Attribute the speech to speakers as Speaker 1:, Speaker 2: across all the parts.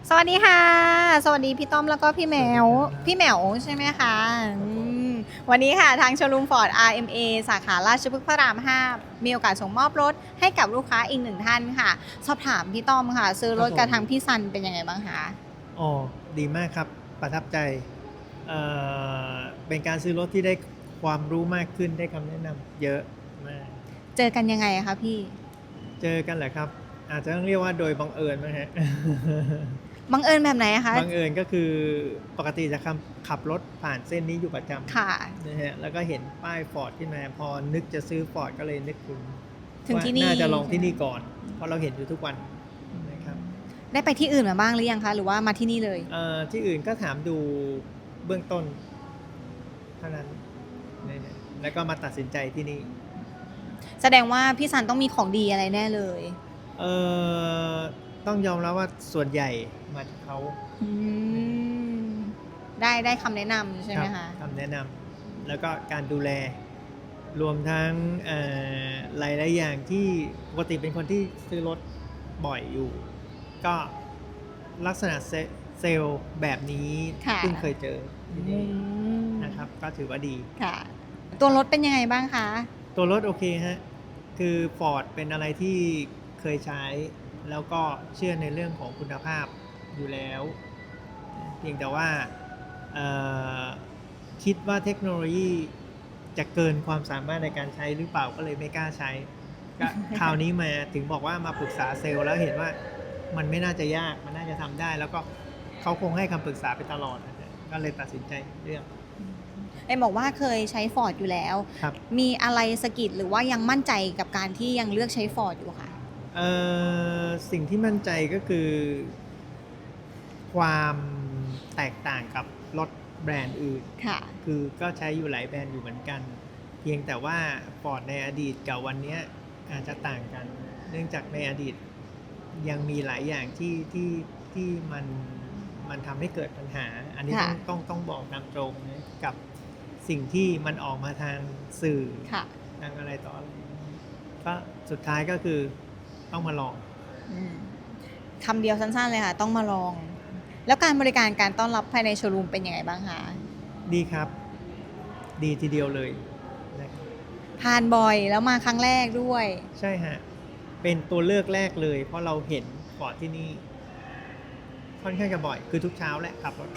Speaker 1: สวัสดีค่ะสวัสดีพี่ต้อมแล้วก็พี่แมวพี่แมวใช่ไหมคะมวันนี้ค่ะทางโชว์รูมฟอร์ด RMA สาขาราชพฤกษ์พระราม 5มีโอกาสส่งมอบรถให้กับลูกค้าอีกหนึ่งท่านค่ะสอบถามพี่ต้อมค่ะซื้อรถกับทางพี่ซันเป็นยังไงบ้างคะ
Speaker 2: อ๋อดีมากครับประทับใจเอ่อเป็นการซื้อรถที่ได้ความรู้มากขึ้นได้คำแนะนำเยอะมาก
Speaker 1: เจอกันยังไงคะพี่
Speaker 2: เจอกันแหละครับอาจจะต้องเรียกว่าโดยบังเอิญนะฮะ
Speaker 1: บังเอิญแบบไหนคะ
Speaker 2: บังเอิญก็คือปกติจะขับรถผ่านเส้นนี้อยู่ประจ
Speaker 1: ค่ะ
Speaker 2: ำนะฮะแล้วก็เห็นป้ายฟอร์ดขึ้นมาพอนึกจะซื้อฟอร์ดก็เลยนึก
Speaker 1: ถึง
Speaker 2: ว่า
Speaker 1: ที่นี่
Speaker 2: น่าจะลองที่นี่ก่อนเพราะเราเห็นอยู่ทุกวันนะครับ
Speaker 1: ได้ไปที่อื่นมาบ้างหรือยังคะหรือว่ามาที่นี่เลย
Speaker 2: ที่อื่นก็ถามดูเบื้องต้นเท่านั้นนะฮะแล้วก็มาตัดสินใจที่นี่
Speaker 1: แสดงว่าพี่ซันต้องมีของดีอะไรแน่เลย
Speaker 2: เอ่อต้องยอมรับว่าส่วนใหญ่มาจากเขา
Speaker 1: อืมได้คำแนะนำใช่ไหมคะ
Speaker 2: คำแนะนำแล้วก็การดูแลรวมทั้งหลายๆอย่างที่ปกติเป็นคนที่ซื้อรถบ่อยอยู่ ก็ลักษณะเซลล์แบบนี้เพิ่งเคยเจอที่นี่นะครับก็ถือว่าดี
Speaker 1: ค่ะตัวรถเป็นยังไงบ้างคะ
Speaker 2: ตัวรถโอเคฮะคือ Ford เป็นอะไรที่เคยใช้แล้วก็เชื่อในเรื่องของคุณภาพอยู่แล้วเพียงแต่ว่าคิดว่าเทคโนโลยีจะเกินความสามารถในการใช้หรือเปล่าก็เลยไม่กล้าใช้ก็คราวนี้มาถึงบอกว่ามาปรึกษาเซลล์แล้วเห็นว่ามันไม่น่าจะยากมันน่าจะทำได้แล้วก็เขาคงให้คำปรึกษาไปตลอดนะก็เลยตัดสินใจเลือก
Speaker 1: บอกว่าเคยใช้ฟอร์ดอยู่แล้วมีอะไรสะกิดหรือว่ายังมั่นใจกับการที่ยังเลือกใช้ฟอร์ดอยู่ค่ะ
Speaker 2: สิ่งที่มั่นใจก็คือความแตกต่างกับรถแบรนด์อื่นคือก็ใช้อยู่หลายแบรนด์อยู่เหมือนกัน เพียงแต่ว่า Ford ในอดีตกับวันนี้อาจจะต่างกัน เนื่องจากในอดีตยังมีหลายอย่างที่มันทำให้เกิดปัญหา อันนี้ต้องบอกตามตรงนะกับสิ่งที่มันออกมาทางสื่อทางอะไรต่ออะไรก็สุดท้ายก็คือต้องมาลอง
Speaker 1: คำเดียวสั้นๆเลยค่ะต้องมาลองแล้วการบริการการต้อนรับภายในโชว์รูมเป็นยังไงบ้างคะ
Speaker 2: ดีครับดีทีเดียวเลย
Speaker 1: ผ่านบ่อยแล้วมาครั้งแรกด้วย
Speaker 2: ใช่ฮะเป็นตัวเลือกแรกเลยเพราะเราเห็นก่อนที่นี่ค่อนข้างจะบ่อยคือทุกเช้าแหละขับรถ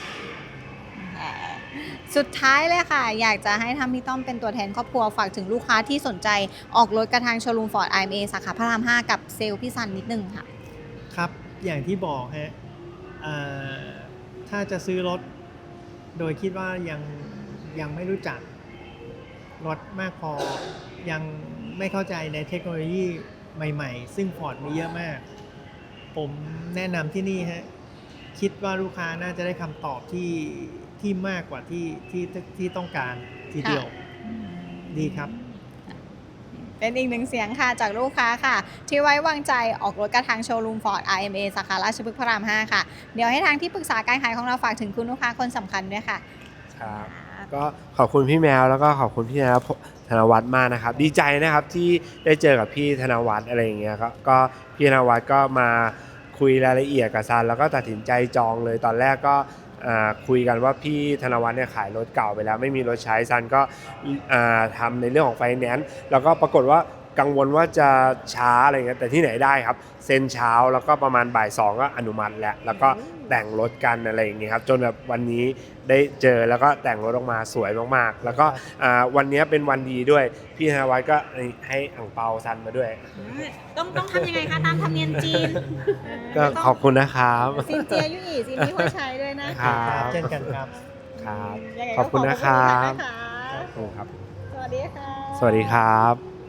Speaker 1: สุดท้ายเลยค่ะอยากจะให้ทำพี่ต้อมเป็นตัวแทนครอบครัวฝากถึงลูกค้าที่สนใจออกรถกระทางโชว์รูมฟอร์ด RMA สาขาพระราม 5กับเซลล์พี่ซันนิดนึงค่ะ
Speaker 2: ครับอย่างที่บอกฮะถ้าจะซื้อรถโดยคิดว่ายังไม่รู้จักรถมากพอยังไม่เข้าใจในเทคโนโลยีใหม่ๆซึ่ง Ford มีเยอะมากผมแนะนำที่นี่ฮะคิดว่าลูกค้าน่าจะได้คำตอบที่มากกว่าที่ต้องการทีเดียวดีครับ
Speaker 1: เป็นอีกหนึ่งเสียงค่ะจากลูกค้าค่ะที่ไว้วางใจออกรถกระทางโชว์รูมฟอร์ด RMA สาขาราชพฤกษ์พระราม 5ค่ะเดี๋ยวให้ทางที่ปรึกษาการขายของเราฝากถึงคุณลูกค้าคนสำคัญด้วยค่ะ
Speaker 3: ครับก็ขอบคุณพี่แมวแล้วก็ขอบคุณพี่ธนวัฒน์มากนะครับดีใจนะครับที่ได้เจอกับพี่ธนวัฒน์อะไรอย่างเงี้ยก็พี่ธนวัฒน์ก็มาคุยรายละเอียดกับซันแล้วก็ตัดสินใจจองเลยตอนแรกก็คุยกันว่าพี่ธนวัฒน์เนี่ยขายรถเก่าไปแล้วไม่มีรถใช้ซันก็ทำในเรื่องของไฟแนนซ์แล้วก็ปรากฏว่ากังวลว่าจะช้าอะไรเงี้ยแต่ที่ไหนได้ครับเซ็นเช้าแล้วก็ประมาณบ่ายสองก็อนุมัติแล้วก็แต่งรถกันอะไรอย่างเงี้ยครับจนแบบวันนี้ได้เจอแล้วก็แต่งรถออกมาสวยมากๆแล้วก็วันนี้เป็นวันดีด้วยพี่ธนวัฒน์ก็ให้อั่งเปาซันมาด้วย
Speaker 1: ต้องทำยังไงคะตามธรรมเนียมจีน
Speaker 3: ก็ขอบคุณนะครับ
Speaker 1: ซินเจียยุ่ยซินที่หัวใช้ด้วยนะครับ
Speaker 2: เช่นกันครับ
Speaker 3: ครับขอบคุณนะครับ
Speaker 1: ขอบคุณค่ะสวัสดีค่ะ
Speaker 3: สวัสดีครับ